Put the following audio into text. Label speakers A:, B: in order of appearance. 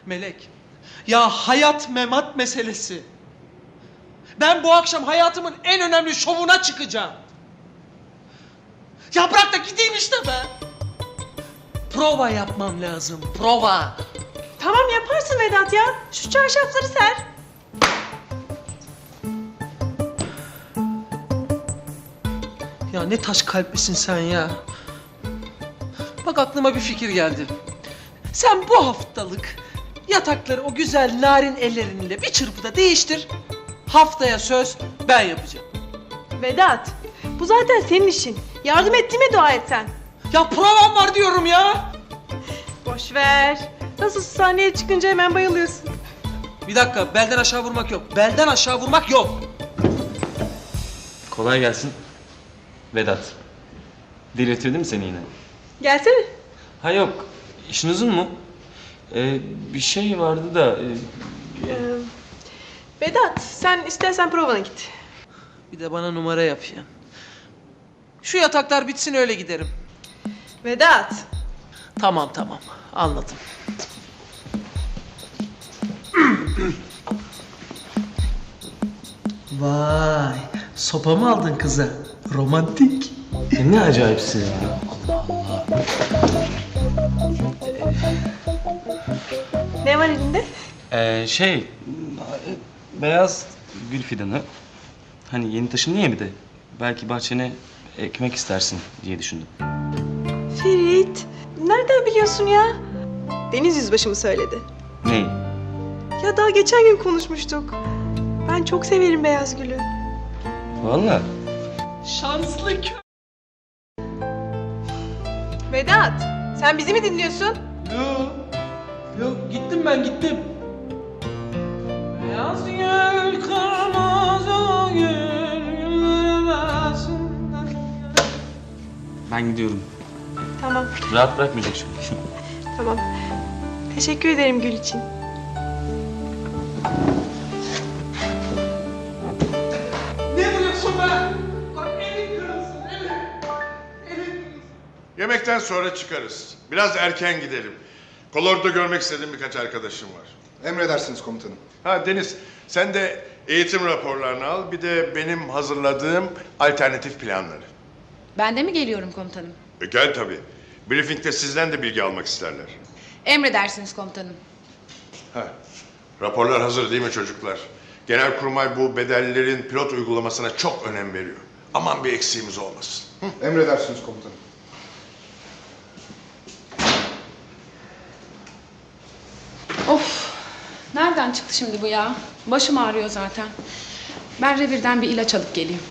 A: Melek, ya hayat memat meselesi. Ben bu akşam hayatımın en önemli şovuna çıkacağım. Ya bırak da gideyim işte be. Prova yapmam lazım, prova.
B: Tamam yaparsın Vedat ya. Şu çarşafları ser.
A: Ya ne taş kalplisin sen ya. Bak aklıma bir fikir geldi. Sen bu haftalık yatakları o güzel narin ellerinle bir çırpıda değiştir. Haftaya söz ben yapacağım.
B: Vedat, bu zaten senin işin. Yardım ettiğime dua et sen.
A: Ya provam var diyorum ya.
B: Boş ver. Nasıl sahneye çıkınca hemen bayılıyorsun.
A: Bir dakika, belden aşağı vurmak yok. Belden aşağı vurmak yok.
C: Kolay gelsin. Vedat. Delirtirdim mi seni yine?
B: Gelsene.
C: Ha yok. İşin uzun mu? Bir şey vardı da...
B: Vedat, sen istersen provana git.
A: Bir de bana numara yapıyor. Şu yataklar bitsin öyle giderim.
B: Vedat.
A: Tamam tamam, anladım. Vay, sopa mı aldın kıza? Romantik.
C: Ne acayipsin ya.
B: Ne var elinde?
C: Beyaz gül fidanı. Hani yeni taşındın ya bir de. Belki bahçene ekmek istersin diye düşündüm.
B: Ferit, nereden biliyorsun ya? Deniz Yüzbaşı mı söyledi?
C: Neyi?
B: Ya daha geçen gün konuşmuştuk. Ben çok severim beyaz gülü.
C: Vallahi.
A: Şanslı kö...
B: Vedat, sen bizi mi dinliyorsun?
A: Yok, yok gittim ben gittim. Beyaz gül, kırmızı gül, güllerin arasında.
C: Ben gidiyorum.
B: Tamam,
C: Rahat bırakmayacak çünkü.
B: tamam. Teşekkür ederim gül için.
A: Ne vuruyorsun be? Bak elin kırılsın, elin. Elin kırılsın.
D: Yemekten sonra çıkarız. Biraz erken gidelim. Kolordu'da görmek istediğim birkaç arkadaşım var.
E: Emredersiniz komutanım.
D: Ha Deniz, sen de eğitim raporlarını al. Bir de benim hazırladığım alternatif planları.
F: Ben de mi geliyorum komutanım?
D: Gel tabii. Briefing'de sizden de bilgi almak isterler.
F: Emredersiniz komutanım.
D: Ha, raporlar hazır değil mi çocuklar? Genelkurmay bu bedellerin pilot uygulamasına çok önem veriyor. Aman bir eksiğimiz olmasın.
E: Emredersiniz komutanım.
F: Of! Nereden çıktı şimdi bu ya? Başım ağrıyor zaten. Ben revirden bir ilaç alıp geleyim.